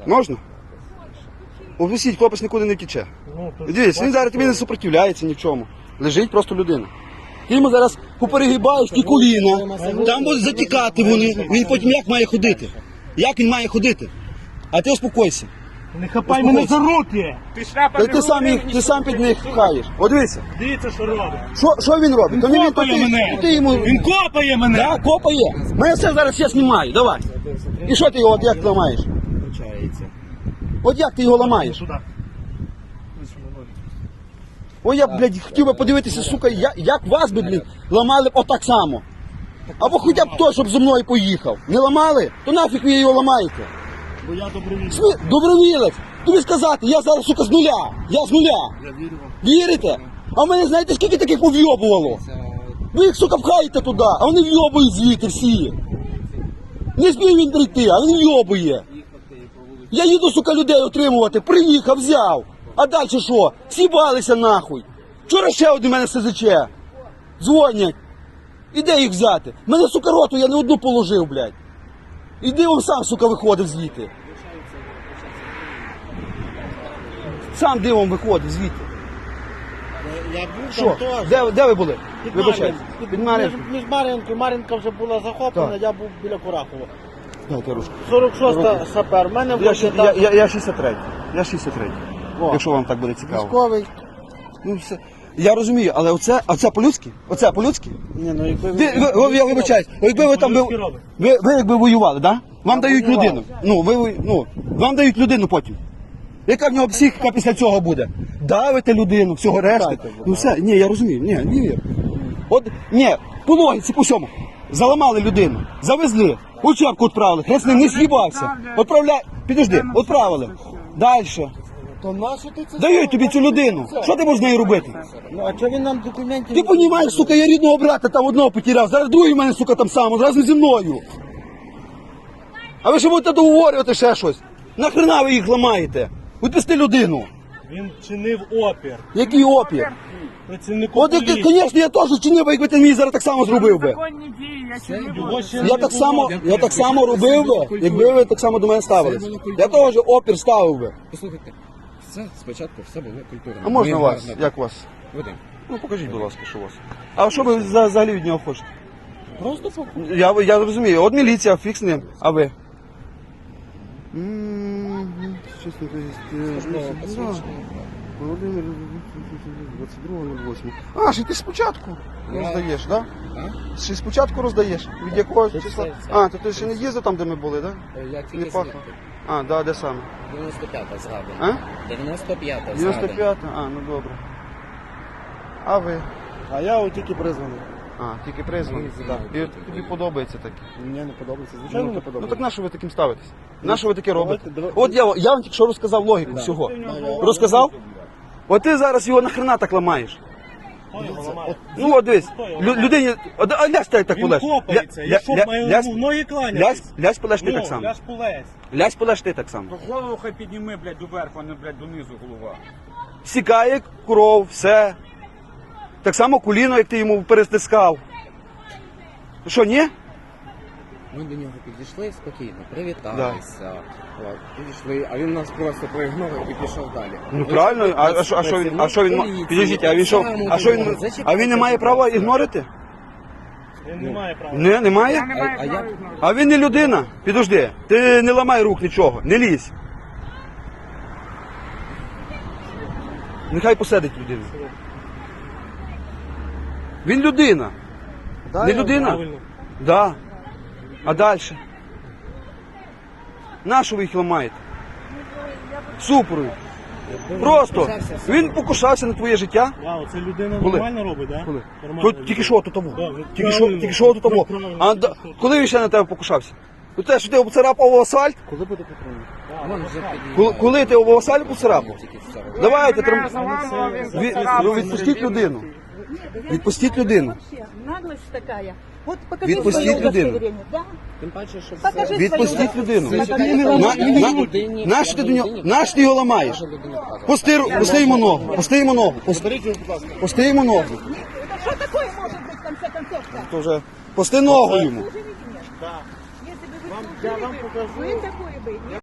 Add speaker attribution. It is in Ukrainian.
Speaker 1: Можна? Обвісіть, хлопець нікуди не втіче. Дивіться, він зараз тобі не супротивляється ні в чому. Лежить просто людина. Ти йому зараз поперегибаєш ті коліна, там будуть затікати вони. Він потім як має ходити? Як він має ходити? А ти успокойся.
Speaker 2: Не хапай мене за руки!
Speaker 1: Ти сам під них пхаєш. От дивися.
Speaker 2: Дивіться, що робить.
Speaker 1: Що він робить? То
Speaker 2: Він копає мене! Він копає мене!
Speaker 1: Так, копає. Мене все зараз я знімаю, давай. І що ти його, от як ламаєш? От як ти його ламаєш?
Speaker 2: Сюди.
Speaker 1: Ой, я, блядь, хотів би подивитися, сука, як вас би, блядь, ламали б отак само. Або хоча б той, щоб зі мною поїхав. Не ламали? То нафіг ви його ламаєте?
Speaker 2: Бо я добровільний.
Speaker 1: Добровілець. Тобі сказати, я зараз, сука, з нуля. Я з нуля.
Speaker 2: Я вірю вам.
Speaker 1: Вірите? А в мене, знаєте, скільки таких повйобувало? Ви їх, сука, пхаєте туди, а вони вйобують звідти всі. Не зміг він прийти, а він вйобує. Я їду, сука, людей отримувати, приїхав, взяв. А далі що? Сібалися нахуй. Вчора ще один мене СЗЧ. Дзвонять. І де їх взяти? Мене, сука, роту я не одну положив, блядь. Іди он сам, сука, виходив звідти. Сам дивом виходив звідти.
Speaker 2: Я був
Speaker 1: Що?
Speaker 2: там теж.
Speaker 1: Де ви були? Вибачайте. Під Мар'їнкою.
Speaker 2: Між Мар'їнкою. Мар'їнка вже була захоплена,
Speaker 1: Так.
Speaker 2: я був біля Курахова.
Speaker 1: Дайте ручку.
Speaker 2: 46-та сапер. В мене
Speaker 1: Я 63. Я 63.
Speaker 2: О.
Speaker 1: Якщо вам так буде цікаво.
Speaker 2: військовий.
Speaker 1: Ну, все. Я розумію, але оце по-людськи? Оце по-людськи?
Speaker 2: Ні, ну якби
Speaker 1: Я вибачаюсь, якби ви там ви якби воювали, да? Вам дають людину. Вам дають людину потім. Яка в нього психіка після цього буде? Давите людину, всього решти. Ну все, ні, я розумію, не вірю. От, ні, по логіці, по всьому. Заламали людину, завезли, учебку відправили, хрест не з'їбався. Підожди, відправили. Дальше.
Speaker 2: То нащо ти це?
Speaker 1: Дають тобі цю людину. Що ти можеш з нею робити?
Speaker 2: Ну, а чого він нам документів?
Speaker 1: Ти розумієш, сука, я рідного брата там одного потеряв, зараз другий в мене, сука, там сам, разом зі мною. А ви ще будете договорювати ще щось? Нахрена ви їх ламаєте? Відпусти людину.
Speaker 2: Він чинив опір.
Speaker 1: Який опір?
Speaker 2: Працівнику
Speaker 1: От,
Speaker 2: поліції.
Speaker 1: звісно, я теж чинив, якби ти мені зараз так само зробив би.
Speaker 3: Законні дії, я ще не
Speaker 2: Його
Speaker 3: буду.
Speaker 2: ще
Speaker 1: Я так само робив би, якби ви так само до мене ставились. Я теж опір ставив би.
Speaker 4: Послухайте, спочатку все було культурно.
Speaker 1: А можна
Speaker 4: Ми
Speaker 1: вас?
Speaker 4: гарно
Speaker 1: Як вас?
Speaker 4: ведемо.
Speaker 1: Ну покажіть, будь ласка, що у вас. А що ви взагалі від нього хочете?
Speaker 4: Просто фокус.
Speaker 1: Я розумію, от міліція, фікс з ним, а ви? Чесно Володимир, 22.08. А, ще ти спочатку роздаєш, так? Ще спочатку роздаєш? Від якого числа? А, то ти ще не їздив там, де ми були, так?
Speaker 4: Я
Speaker 1: Не
Speaker 4: тільки
Speaker 1: пахло. А, да, де саме?
Speaker 4: 95-та згадана.
Speaker 1: А?
Speaker 4: 95-та згадана.
Speaker 1: 95-та? А, ну добре. А ви?
Speaker 2: А я от тільки призваний.
Speaker 1: А, тільки призваний. Так. І от тобі подобається таке?
Speaker 2: Мені не подобається. Звичайно, не
Speaker 1: Ну
Speaker 2: подобається.
Speaker 1: так на що ви таким ставитесь? На що ви таке робите?
Speaker 2: давайте.
Speaker 1: От я вам тільки що розказав логіку всього. Розказав? От ти зараз його нахрена так ламаєш.
Speaker 2: Хто його ламає?
Speaker 1: Ну от дивись, людині, а лясь так
Speaker 2: Він
Speaker 1: полеж.
Speaker 2: копається. Я що, маю йому в ноги кланятись?
Speaker 1: Лясь полеж ти
Speaker 2: Ну,
Speaker 1: так само.
Speaker 2: ляж полезь.
Speaker 1: Лясь полеж ти так само.
Speaker 3: То голову хай підніми, блядь, доверху, а не, блядь, донизу голова.
Speaker 1: Сікає кров, все. Так само коліно, як ти йому перестискав. Що, ні?
Speaker 4: Ми до нього підійшли спокійно, привіталися. От, підійшли, а він нас просто проігнорив і пішов далі.
Speaker 1: Ну правильно, а що він, підійдіть, а він що, а він не має права ігнорити?
Speaker 2: Він не має права.
Speaker 1: Не, немає?
Speaker 3: Я не маю
Speaker 4: а
Speaker 3: права
Speaker 4: як?
Speaker 3: ігнорувати.
Speaker 1: А він не людина. Підожди, ти не ламай рук нічого, не лізь. Нехай посадить людину. Він людина. Не людина?
Speaker 2: Правильно.
Speaker 1: Да. А далі? Нащо ви їх ламаєте? Супрую. Просто. Він покушався на твоє життя.
Speaker 2: Вау, це людина
Speaker 1: Коли?
Speaker 2: нормально робить, так?
Speaker 1: Коли?
Speaker 2: Нормально
Speaker 1: Тут
Speaker 2: робить.
Speaker 1: тільки що тут того.
Speaker 2: Да, ви
Speaker 1: Тільки
Speaker 2: правильно.
Speaker 1: що тут того.
Speaker 2: Ви правильно.
Speaker 1: А коли він ще на тебе покушався? Ну те, що ти обцарапав асфальт?
Speaker 2: Коли буде патрульник?
Speaker 4: Вон вже підіймає.
Speaker 1: Коли ти об асфальт поцарапав?
Speaker 4: Тільки все.
Speaker 1: Давайте,
Speaker 3: Мене заламував, він
Speaker 1: відпустіть людину. Відпустіть людину.
Speaker 5: Вообще, наглость такая. Вот покажи
Speaker 1: Відпустіть
Speaker 5: своє
Speaker 1: людину.
Speaker 5: удостоверение, да?
Speaker 4: Тим паче, що
Speaker 5: Покажи
Speaker 4: все...
Speaker 1: Відпустіть людину.
Speaker 4: людині.
Speaker 1: Нащо ти до нього? Нащо ти його ламаєш?
Speaker 4: Людині показує.
Speaker 1: Пусти йому ногу. Пусти йому ногу. Пусти йому ногу.
Speaker 5: Это что такое может быть в конце концов-то?
Speaker 1: То вже пусти ногу йому.
Speaker 5: Вы же видите?
Speaker 2: Да.
Speaker 5: Если бы вы
Speaker 2: Я вам
Speaker 5: служили бы,
Speaker 2: покажу.
Speaker 5: вы такое бы